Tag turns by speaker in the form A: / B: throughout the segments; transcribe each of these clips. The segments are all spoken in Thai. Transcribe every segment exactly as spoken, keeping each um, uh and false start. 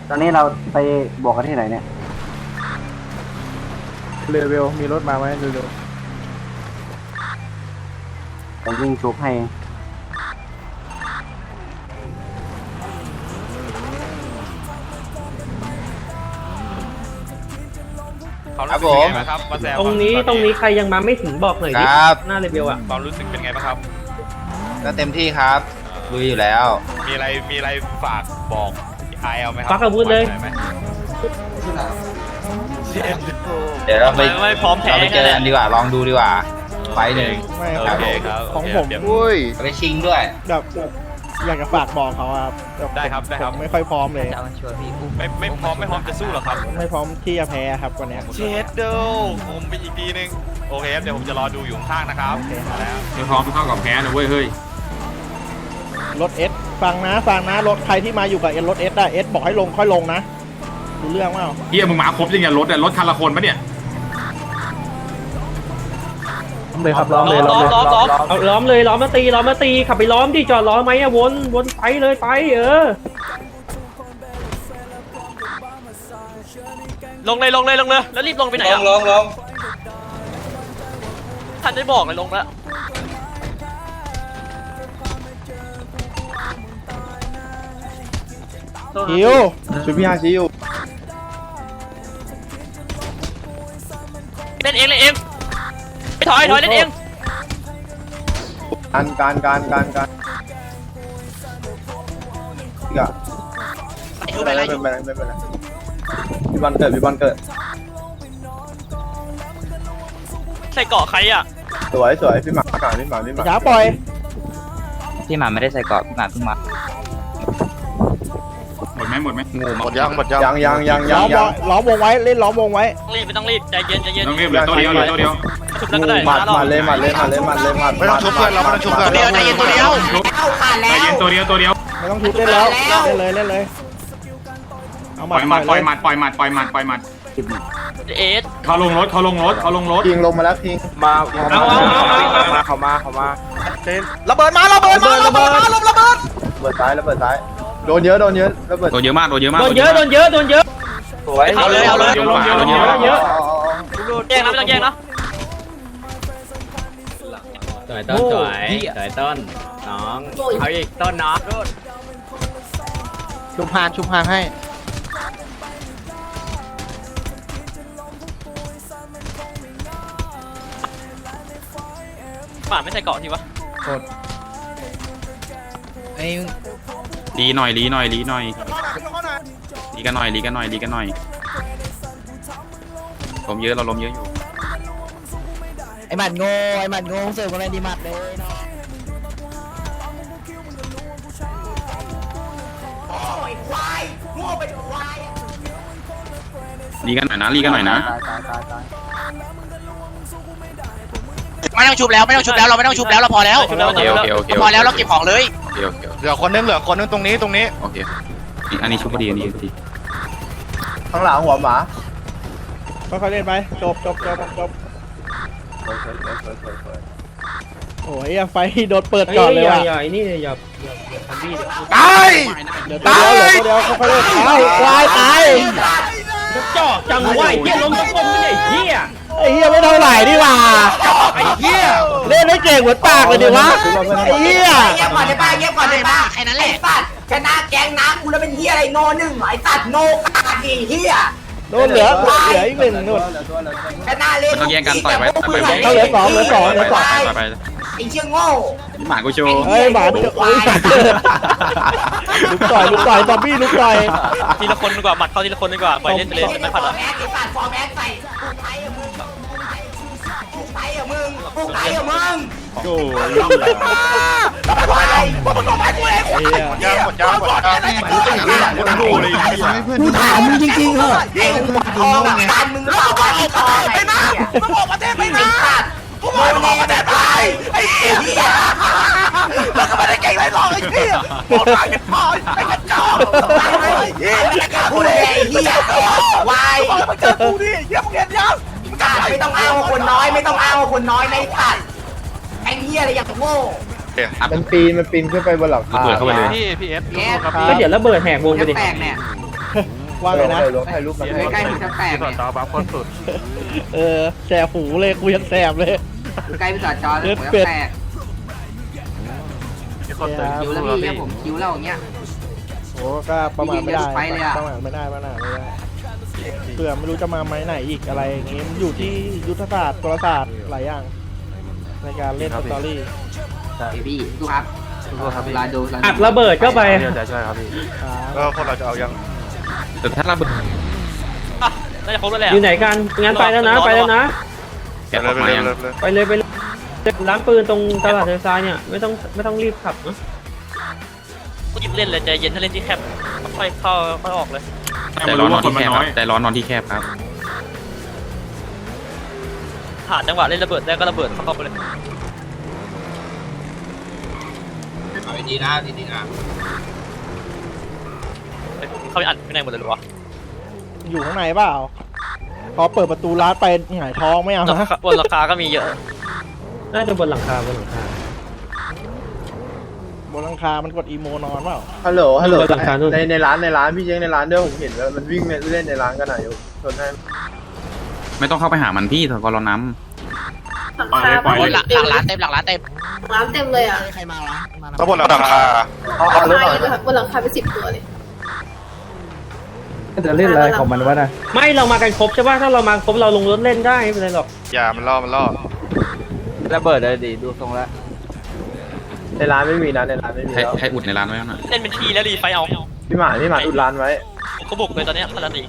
A: ตอนนี้เราไปบวกกันที่ไหนเนี่ย
B: เลเวลมีรถมาไหมเร็ว
A: ผมวิ่งชุบให้
C: ครับผมครับ
D: ตรงนี้ตรงนี้ใครยังมาไม่ถึงบอกหน่อยดิหน้าเลเวลอะ
C: ความรู้สึกเป็นไงบ้างครับ
E: ก็เต็มที่ครับลุยอยู่แล้ว
C: มีอะไรมีอะไรฝากบอกไอเอลไหมครับ
D: ปักอาวุธเลย
E: เดี๋ยวเราไป
D: ไม่พร้อมแพ้
E: เราไปเจอกันดีกว่าลองดูดีกว่าไฟหนึ่ง
B: ๆไม่
C: โอ
B: ครับ
C: เคครับ
B: ของผม
E: อุ้ยไปชิงด้วย
B: แบบอยากจะฝากบอกเขาครับแบบ
C: ได้ครับได้ครับ
B: ผมไม่ค่อยพร้อมเลย
C: ไม่ไม่พร้อมไม่พร้อมจะสู้หรอครับ
B: ไม่พร้อมที่จะแพ้ครับวันเนี้ย
C: เชดเดลผมไปอีกทีนึงโอเคครับเดี๋ยวผมจะรอดูอยู่ข้างๆนะครับมาแล้ว
F: ไม่พร้อมเท่ากับแพ้นะเว้ยเฮ้ย
B: รถเอสฟังนะฟังนะรถใครที่มาอยู่กับเอสรถเอสได้เอสบอกให้ลงค่อยลงนะดูเรื่องว่า
F: เฮียมึงมาครบจริงๆรถแต่รถคันละคนปะเนี่ย
B: เลยครับล้อมเลย
D: ล้
B: ล้
D: อ
B: อ
D: ม
B: ม
D: ล้อมล้อมเอาล้อมเลยล้อมมาตีล้อมมาตีขับไปล้อมดิจอดล้อมไหมอะวนวนไปเลยไปเออลงเลยลงเลยลงเลยแล้วรีบลงไปไหนอะลงลงท่านได้บอกเลยลงแล้ว
B: ฮิวชูพี่ฮาชิว
D: เล่นเองเล่นเองไปถอยถอยเล่นเอง
B: การการการการการอีกอะไม่เป็นไรไม่เป็นไรไม่เป็นไรพี่บอลเกิดพี่บอลเกิด
D: ใส่เกาะใครอะ
B: สวยสวยพี่หมาพี่หมาพี่หมาช้าปล่อย
E: พี่หมาไม่ได้ใส่กรอบพี่หมาเพิ่งมา
F: หมดไหมหมดไหม
E: หมดยังหมดยัง
B: ยังยังยังยังยังล้อมวงไว้เล่นล้อมวงไว้
D: รีบไม่ต้องรีบใจเย็นใจเย็น
F: ต้องเรียบเลยตัวเดียวเลยตัวเดียว
D: ชุบแล้วก็ได้
B: หมัดหมัดเลยหมัดเลยหมัดเลยหมัดเลยหมัดไม่ต้องชุบเพื่อนเราไม่ต้องชุบเพื่อน
E: เดียวใจเย็นตัวเดียว
F: ใจเย็นตัวเดียวตัวเดียว
B: ไม่ต้องชุบเล่นแล้วเล่นเลยเล่นเลยเอาห
F: ป
B: มั
F: ล่
B: ด
F: อยหมัดปล่อยหมัดปล่อยหมัดปล่อยหมัดปล่อยหมัด
D: เอส
F: เขาลงรถเขาลงรถเขาลงรถ
B: พิงลงมาแล้วพิงมา
D: เอาเอาเอา
B: เขามาเขามาเต้น
C: ระเบิดมาระเบิดมาระเบิดมาระเบิดระเบิด
B: ระเบิดซ้ายระเบิดซ้ายโดนเยอะโดนเยอะระเบิด
F: ตัวเยอะมากตัวเยอะมาก
D: โดนเยอะโดนเยอะโดนเยอะ
B: สวย
D: เอาเลยเอาเลย
F: เยอะเยอะเยอะ
D: เยอะแย่งนะไม่ต้องแย่งนะ
G: สวยต้นสวยสวยต้นน้องเอาอีกต้นน้อง
B: ชุบพานชุบพานให้
D: ป่าไม่ใส่เกาะทีวะ
F: ลีหน่อยลีหน่อยลีหน่อยลีกันหน่อยลีกันหน่อยลีกันหน่อยลมเยอะเราลมเยอะอยู่
H: ไอ้หมัดโง่ไอ้หมัดโง่เสิร์ฟอะไรดีหมัดเลยเนาะ
F: ลีกันหน่อยนะลีกันหน่อยนะ
A: ตายตายตายตาย
E: ไม่ต้องชุบแล้วไม่ต้องชุบแล้วเราไม่ต้องชุบแล้วเราพอแล้ว
F: โอเคโอเคโอเค
E: พอแล้วเราเก็บของเลย
F: โอเคโอเค
C: เหลือคนนึงเหลือคนนึงตรงนี้ตรงนี้
F: โอเคอันนี้ชุบพอดีอันนี้พอดี
B: ข้างหลังหัวหมาค่อยๆเล่นไปจบจบจบจบโอ้ยไฟโดนเปิดก่อนเลยว่ะ
D: อย่านี่อย่าอย่าทำบี้
C: ตาย
B: เดี๋ยวตัวเดียวเดี๋ยวตัวเดียวค่อยๆเล่นตายตายตาย
D: จ่อจังไหวเฮียล้มทุกคนไม่ใช่เฮีย
B: ไอ้เหี้ยไม่เท่าไหร่นี่หว่า
D: ไอ้เฮีย
B: เล่นไม่เก่งเหมือนปากเลยดิวะไอ้เหี้ย
H: เงียบก่อนได้ป่ะเงียบก่อนได้ป่ะแค่นั้นแหละสัตว์ชนะแกงน้ำกูแล้วเป็นเฮียอะไรโนหนึ่งไอ้สัตว์โนกาดีเฮีย
B: โดนเหลือเหลืออีกหนึ่งนู่น
H: ชนะเล่น
F: มันต้องแย่งกันต่อยไปต่อยไป
B: เขาเหลือสองเหลือสองเหลือสอง
F: ต่อยไป
H: ไอ้เชี่ยโง่
F: หมากูโชว์
B: เฮ้ยหมาจะโอ้ยลุกต่อยลุกต่อยบอบบี้ลุกต่อย
D: ทีละคนดีกว่าหมัดเข้าทีละคนดีกว่าปล่อยเล่นไปเลยไม่ผัด
H: ฟอ
D: อ่ะ
H: ร์แม็กไอ้สัตว์ฟอร์แม็กใส่กูไทยอะมึงกูไทยอะมึงกูไทยอะมึง
B: โอ้ย
H: ไป
B: ไอ้เหี้ย
C: ยางหมดยางหมดยางคนดูเลย
H: กูถามมึงจริงๆเหรอไอ้หัวทองการมึงเปล่าว่าที่ทองไอ้นะมึงออกประเทศไปนะกูบอกมึงออกประเทศไปไอ้เหี้ยแล้วก็ไม่ได้เก่งไรหรอกไอ้เหี้ยบอกมาเก็บพอยไอ้กระจอกไอ้เหี้ยไม่ได้เก่งกูเลยไอ้เหี้ยวายมึงเจอกูดิเหี้ยมึงเห็นยังไม่ต้องอ้างว่าคนน้อยไม่ต้องอ้างว่าคนน้อยในสัตว์ไอ้เหี้ยอะไรอย่างโง่
B: มันปีนมันปีนขึ้นไปบนหลังคา
F: เปิดเข้าไปเลย
C: พี่พี่เอฟ
D: ก็เดี๋ยวระเบิดแหกวงไปดิ
H: แปลกเนี่ย
B: ว่าไงนะ
H: ใกล้ๆพี่จะแตกเนี่ย
B: เออแสบหูเลยกูยังแสบเลย
H: ใกล้พี่จอดจอเลยผมจะแตกคิวแล้วพี่เนี่ยผมคิวแล้วอย่างเงี้ย
B: โอ้ก็ประมาณไม่ได้
H: ไปเลยอะ
B: ประมาณไม่ได้ประมาณไม่ได้เผื่อไม่รู้จะมาไม้ไหนอีกอะไรอย่างงี้มันอยู่ที่ยุทธศาสตร์กลศาสตร์หลายอย่างในการเล่นสตอรี่
H: พี่ดูครับดูครับลาดู
D: อัดระเบิดเข้าไป
C: ก็พวกเราจะเอายัง
F: แต่ถ้าระเบิด
G: น่าจะครบแล้วแหละ
D: อยู่ไหนกันงั้นไปแล้วนะไปแล้วนะ
F: แกะออกมายัง
D: ไปเลยไปเลยร้านปืนตรงตลาดเทซายเนี่ยไม่ต้องไม่ต้องรีบขับนะ
G: กูหยิบเล่นเลยใจเย็นถ้าเล่นที่แคบค่อยเข้าค่อยออกเลย
F: แต่ร้อนนอนที่แคบครับแต่ร้อนนอนที่แคบครับ
G: หาจังหวะเล่นระเบิดได้ก็ระเบิดเข้าไปเลย
H: ดีนะดีนะ
G: เข้าไปอัดข้างในหมดเลยหรอวะ
B: อยู่ข้างในเปล่าพอเปิดประตูร้านไปหงายท้องไม่เอานะ
G: บนราคาก็มีเยอะ
D: น่าจะบนหลังคาบนหลังคา
B: บนหลังคามันกดอีโมนอนเปล่า
I: ฮัลโหล ฮัลโหล
D: บนหลังคานู่น
I: ในในร้านในร้านพี่เจ๊งในร้านด้วยผมเห็นแล้วมันวิ่งเล่นในร้านกันหน่อยอยู่ชนให้
F: ไม่ต้องเข้าไปหามันพี่เถอะก็รอน้
J: ปล่อยเลยปล่อย
E: ห
J: เลย
E: ลังหลังร้านเต็มหลังร้านเต็ม
J: ร้านเต็มเลยอ่ะ
C: ทั้งหมดราคา
I: เอาเอารถหน่อย
J: บนหลังคาเป็นสิบตัวเลย
A: จะเล่นอะไรของมันวะนะ
D: ไม่เรามากันครบใช่ป่ะถ้าเรามาครบเราลงรถเล่นได้ไม่เป็นไรหรอก
C: อย่ามันล่อมันล่อ
A: ระเบิดเลยดิดูทรงแล้ว
I: ในร้านไม่มีนะในร้านไม่มี
F: ำให้
I: แล้ว
F: ให้อุดในร้านไว้หน่อย
G: เล่นเป็นทีแล้วรีไฟเอา
I: พี่หมาพี่หมาอุดร้านไว้
G: ผมก็บุกเลยตอนเนี้ยพลังตี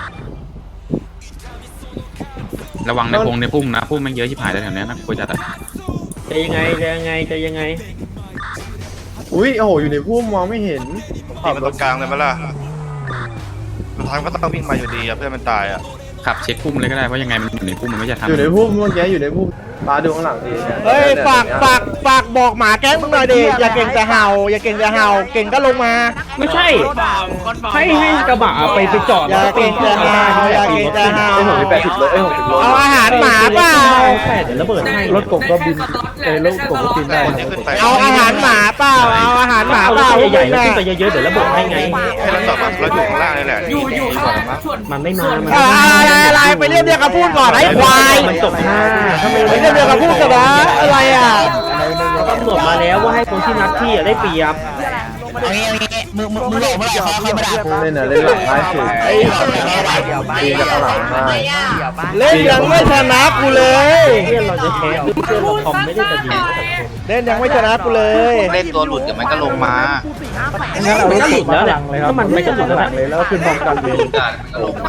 F: ระวังในพงในพุ่มนะพุ่มมันเยอะชิบหายเลยแถวเนี้ยนะควรจะแต่
D: จะยังไงจะยังไงจะยังไง
I: อุ้ยโอ้โหอยู่ในพุ่มมองไม่เห็น
C: ตีมันตรงกลางเลยมั้ยล่ะสุดท้ายก็ต้องวิ่งมาอยู่ดีอะเพื่อนมันตายอะ
F: ขับเช็คพุ่มเลยก็ได้ว่ายังไงมันอยู่ในพุ่มมันไม่จะทำ
I: อยู่ในพุ่มเมื่อกี้อยู่ในพุ่มตาดูข้างหลังดิ
B: เฮ้ยฝากฝากฝากบอกหมาแก๊งมึงหน่อยดิอย่าเก่งแต่เห่าอย่าเก่งแต่เห่าเก่งก็ลงมา
D: ไม่ใช่ให้ให้กระบะไปไปจอด
B: อย่าเก่งแต่เห่าอย่าเก่งแต่เห่า
I: ไอ้ผมมีแปดสิบโลไอ้ผมสิบโล
B: เอาอาหารหมาเปล่า
D: แปดเดี๋ยวระเบิดให้
A: รถกบก็บินเออรถกบก็บินได้
C: คนที่ขึ้นไป
B: เอาอาหารหมาเปล่าเอาอาหารหมา
D: เอา
B: เป
D: ร
B: ล่า
D: ถใหญ่ๆแล้วขึ้นไปเยอะๆเดี๋ยวระเบิดให้ไง
C: ให้เราจอดเราอยู่ข้างล่างนี่แหละอยู่อยู่ข้างล่าง
D: มันไม่มามัน
B: อะไรอะไรไปเรียกเรียกกับพูดก่อนไอ้ควาย
D: มันจบห้าถ้าไม่
B: ไปเรียกเรียกกับพูดกันนะอะไรอ่ะ
D: ตำรวจมาแล้วว่าให้คนที่นัดที่ได้เปรียบ
E: มึงมึงมึงหลอกมึงหลอกเขาเขาไม่ได้
I: เล่นน่ะเล่นหลังง่ายสุด
B: ไอ้
I: ตีจากข้างหลังง่าย
B: เล่นยังไม่ชนะกูเลย
D: เพื่อนเราจะแคสเพื่อนเราคอมไม่ได้จะดี
B: เล่นยังไม่ชนะกูเลย
E: เล่นตัวหลุดเดี๋ยวมันก็ลงมา
A: งั้นเอารถกบมาหลังเลยครับ
D: ถ้ามันไม่กระสุน
A: หลังเลยแล้วก็ขึ้นพร้อมกันเลย
E: ลงมา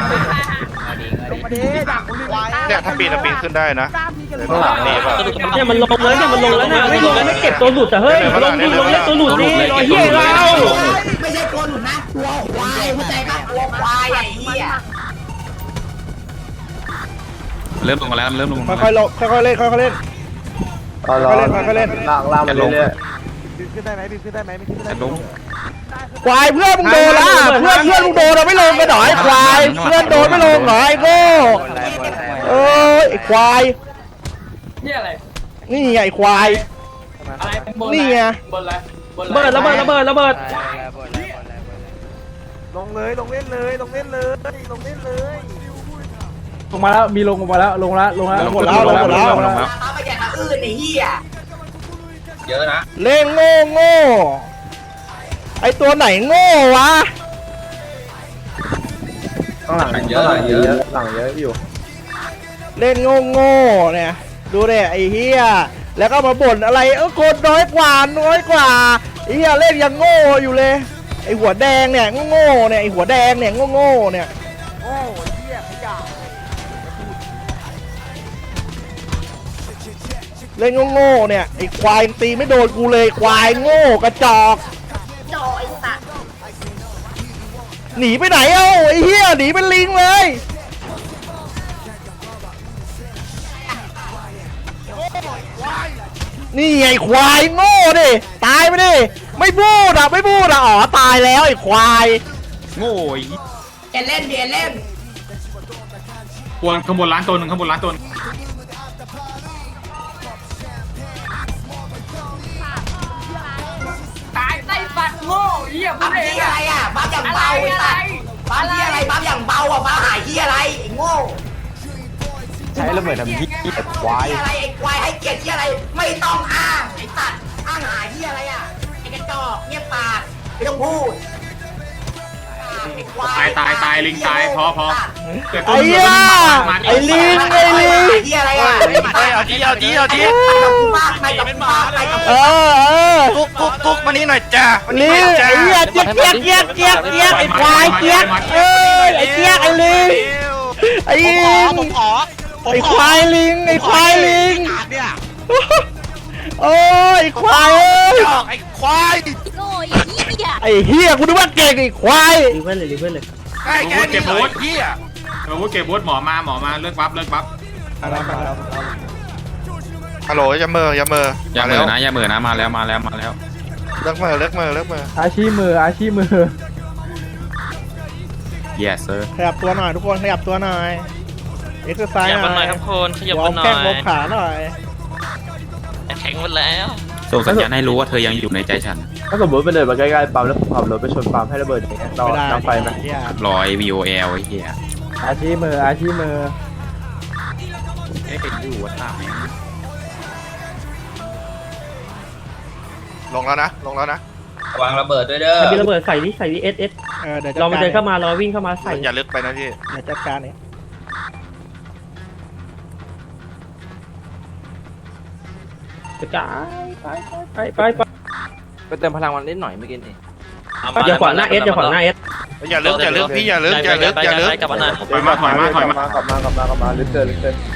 C: เนี่ยถ้าปีนถ้าปีนขึ้นได้นะนี่ป่ะ
D: เนี่ยมันลงแล้วเนี่ยมันลงแล้วนะไม่ลงแล้วไม่เก็บตัวหลุดแต่เฮ้ยลงดิลงเล่นตัวหลุดดิรอเฮียเรา
H: ไม่ใช่ตัวหลุดนะตัวควายเข้าใจปะตัวควายไอ้เหี้ย
F: เริ่มลงมาแล้วมันเริ่มลงมา
B: ค่อยๆลงค่อยๆเล่นค่อยๆเล่น
I: ตอนรอลากลากมาเรื่อย
F: แต่ลง
B: ควายเพื่อนมึงโดนละเพื่อนเพื่อนมึงโดนเราไม่ลงกันหน่อยควายเพื่อนโดนไม่ลงเหรอไอ้โง่เอ้ยไอ้ควายนี่อะไรนี่ไงไอ้ควายนี่ไง
D: ระเบิดระเบิดระเบิดระเบิด
A: ลงเลยลงเล่นเลยลงเล่นเลยลงเล่นเลยลงมาแล้วมีลงมาแล้วลงแล้วลงแล้ว
F: ลงแล้วลงแล้วลงแล้วลงแล้ว
H: มาไปแย่งอื่นไอ้เหี้ย
E: เยอะนะ
B: เล่นโง่โง่ไอตัวไหนโง่วะ
I: ข้างหลังเยอะหลังเยอะหลังเยอะอยู่
B: เล่นโง่โง่เนี่ยดูดิไอเฮียแล้วก็มาบ่นอะไรเออคนน้อยกว่าน้อยกว่าไอเฮียเล่นยังโง่อยู่เลยไอหัวแดงเนี่ยโง่โง่เนี่ยไอหัวแดงเนี่ยโง่โง่เนี่ยเล่นโง่ๆเนี่ยไอ้ควายตีไม่โดนกูเลยควายโง่กระจอก
J: จอไอ้สัตว์
B: หนีไปไหนเอ้าไอ้เหี้ยหนีเป็นลิงเลย นี่ไงควายโง่ดิตายไปดิไม่พูดอ่ะไม่พูดอ่ะอ๋อตายแล้วไอ้ควาย
F: โง่ย
H: เอ็นเล่นเบียเล่น
J: บนข้างบนร้านตัวหนึ่งข้างบนร้านตัวนึง
H: ตายไต้ฝัดโง่เหี้ยพูดเองอะไรอ่ะบ้าจับเบาไอ้สัตว์บ้าอะไรเบาอ่ะมาหายที่อะไรไอ้โง่
B: ใช้ระเบิดทำยี่ไอ้ควาย
H: ที่อะไรไอ้ควายให้เกียรติที่อะไรไม่ต้องอ้างไอ้ตัดอ้างหาที่อะไรอ่ะไอ้กระจอกเงียบปากไม่ต้องพูด
J: ตายตายตายลิงตายพอพอเกิด
B: ไอ้เหี้ยไอ้ลิงไอ้ลิง
H: ที่อะไรอ่ะ
C: เฮ้ยเอาทีเอาทีเอาที
H: ไปกับกูมากไปกับกูมากไปกับ
B: เออเออ
C: กุ๊กกุ๊กกุ๊กมานี่หน่อยจ้ามานี่
B: ลิ
C: ห
B: ง
C: น่อยจ้า
B: ไอ้เหี้ยเจี๊ยกเจี๊ยกเจี๊ยกเจี๊ยกเจี๊ยกไอ้ควายเจี๊ยกเอ้ยไอ้เจี๊ยกไอ้ลิงไอ้ลิง
H: ผมขอ
B: ไอ้ควายลิงไอ้ควายลิง
H: เนี่ย
B: โอ้ยไอ้ควายเอ้ย
C: จอกไอ้ควาย
K: โง่ยเหี้ย
B: ไอ้เหี้ยกูนึกว่าเก่งไอ้ควาย
D: รีเพื่อนเลยรีเพื่อนเลย
C: ไอ้แกนี่เลยเฮีย
J: เออเก็บบูธหมอมาหมอมาเลิกบัฟเลิกบัฟ
C: ฮัลโหลอย่าเมออย่าเมอ
F: อย่าเหมือนะอย่าเหมือนะมาแล้วมาแล้วมาแล้ว
C: เลิกเมอเลิกเมอเลิกเมอ
A: อาชีพมืออาชีพมือ
F: yes sir
B: ขยับตัวหน่อยทุกคนขยับตัวหน่อยเอ็กซ์ไซส์หน่อยครับคนขยับหน่อยแข้งลบขาหน่อย
F: ส่งสัญญาณให้รู้ว่าเธอยังอยู่ในใจฉัน
I: ถ้าสมมติไปเดินมาใกล้ๆปั๊มแล้วผมขับรถไปชนปั๊มให้ระเบิดอย่างเงี้ยเรา
B: ไม่ได้
I: น้ำไฟไหม
B: เหี้ย
F: รอย วี โอ แอล ไอ้เหี้ย
A: อาชีพมืออาชีพมือ
F: เอ๊ะอยู่วัดท่าแม่ง
C: ลงแล้วนะลงแล้วนะ
E: วางระเบิดด้วยเด้อ
D: ใครมีระเบิดใส่ดิใส่ดิเอสเอส
B: เออเดี๋ยวจัด
D: เรามา
B: การ
D: เดินเข้ามารอวิ่งเข้ามาใส่
C: อย่าลึกไปนะพี่
B: เดี๋ยวจัดการเนี่ย
D: กระจายไปไปไปไป
A: ไปเติมพลังมันนิดหน่อยเมื่อกี้นี่
D: อย่าขวางหน้าเอสอย่าขวางหน้าเอส
C: อย่าลึกอย่าลึกพี่อย่าลึกอย่าลึกอย่าลึก
J: ถอยมาถอยมาถอยมา
I: กลับมากลับมากลับมาลึกเกินลึกเกิน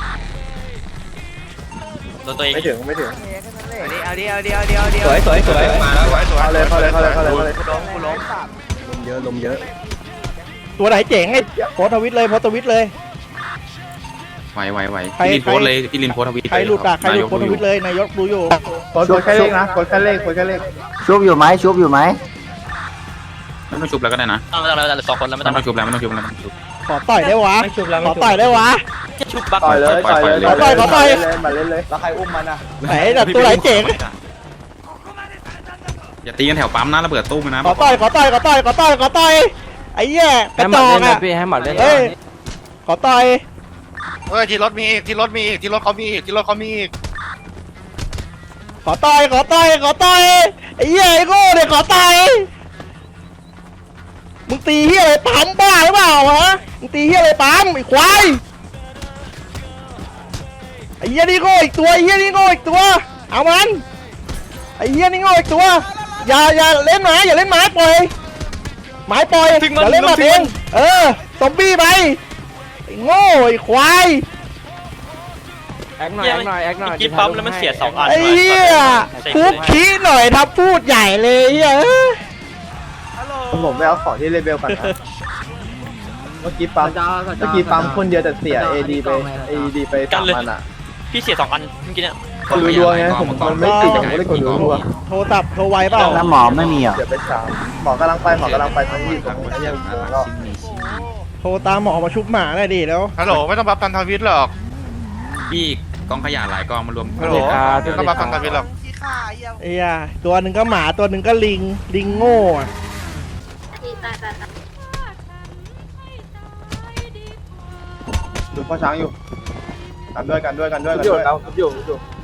G: ตัวเอง
I: ไม่ถึงไม่ถึง
H: เอาดิเอาดิเอาดิเอาดิ
G: สวยสวยสวย
E: มาแล้ว
C: สวยสวย
I: เข้าเลยเข้าเลยเข้าเลยเข้าเลยเข้าเลย
C: กูล้มกูล้ม
I: ลมเยอะลมเยอะ
B: ตัวไหนเจ๋งไอ้โพสต์ทวิตเลยโพสต์ทวิตเลย
F: ไหวไหวไหว
B: ใคร
F: พี่ลินโพสต์เลยพี่ลินโพสต์ทวิต
B: ใครหลุดอะใครหลุดโพสต์ทวิต
F: เลย
B: เลยนายกดูอยู่
I: กดกดแค่เลขนะกดแค่เลขกดแค่เลข
A: ชุบอยู่ไหมชุบอยู่ไหม
F: ไม่ต้องชุบแล้วก็ได้นะ
G: ต้องเราสองคนแล้วไม่
F: ไม่
G: ต้
F: ต้
G: อ
F: อง งชุบแล้วไม่ต้องชุบแล้วไม่ต้องชุบ
B: ขอต่อยได้วะ
D: ไม่ชุบแล้ว
B: ข
D: ไม่
B: อ
D: ชุบ
B: ต่อยได้วะ
G: ชุบบัก
I: ต่อยเลยต่อยเลย
B: ขอต่อยขอต่อย
I: เล่นมาเล่นเลยแล้วใครอุ้มมันอ่ะ
B: ไหนแต่ตัวไหนเจ๋ง
F: อย่าตีกันแถวปั๊มนะระเบิดตู้มนะ
B: ขอต่อยขอต่อยขอต่อยขอต่อยขอต่อยไอ้เหี้ยกระจอกอะ
A: พี่ให้หมัดเล่น
B: เอ้ยขอต่อย
C: เฮ้ยที่รถมีอีกที่รถมีอีกที่รถเขามีอีกที่รถเขามีอีก
B: ขอต่อยขอต่อยขอต่อยไอ้เหี้ยไอ้โง่เนี่ยขอต่อยมึงตีเหี้ยอะไรปั๊มบ้าหรือเปล่าฮะมึงตีเหี้ยอะไรปั๊มไอ้ควายไอ้เหี้ยนี่โง่อีกตัวไอ้เหี้ยนี่โง่อีกตัวเอามันไอ้เหี้ยนี่โง่อีกตัวอย่าอย่าเล่นหมาอย่าเล่นหมาปล่อยหมาปล่อยอย่าเล่นหมาเองเออซอมบี้ไปไอ้โง่ไอ้ควาย
A: แอคหน่อยแอคหน่อยแอคหน่อย
G: กินปั๊มแล้วมันเสียสองอัน
B: ไอ้เหี้ยคุกขี้หน่อยทับพูดใหญ่เลยเหี้ย
I: ผมไปเอาของที่เลเบลก่อนนะเมื่อกี้ปั๊มเมื่อกี้ปั๊มคนเดียวแต่เสีย เอ ดี ไป เอ ดี ไปสามพันอ่ะ
G: พี่เสียสองอันเมื่อกี้เนี่ย
I: คนรัวๆไงผมมันไม่ติดผมไม่ได้กดรัว
B: โทรศัพท์โทรไวเปล่า
A: แล้วหมอไม่มีเหรอ
I: ๆเดี๋ยวไปสามหมอกำลังไปหมอกำลังไปทั้งที่ผมไม่ยังก็
B: โทรตามหมอมาชุบหมาได้ดิแล้ว
C: ฮัลโหลไม่ต้องบัฟพันธวิทย์หรอก
F: พี่กองขยะหลายกองมารวม
C: ฮัลโหลไม่ต้องบัฟพันธวิทย์หรอก
B: ไอ้เหี้ยตัวหนึ่งก็หมาตัวหนึ่งก็ลิงลิงโง่อะ
K: ตายตายตาย
I: ดูพ่อช้างอยู่กันด้วยกันด้วยกันด้วยกัน
A: อยู่
I: ด้วย
A: เราอยู่อยู่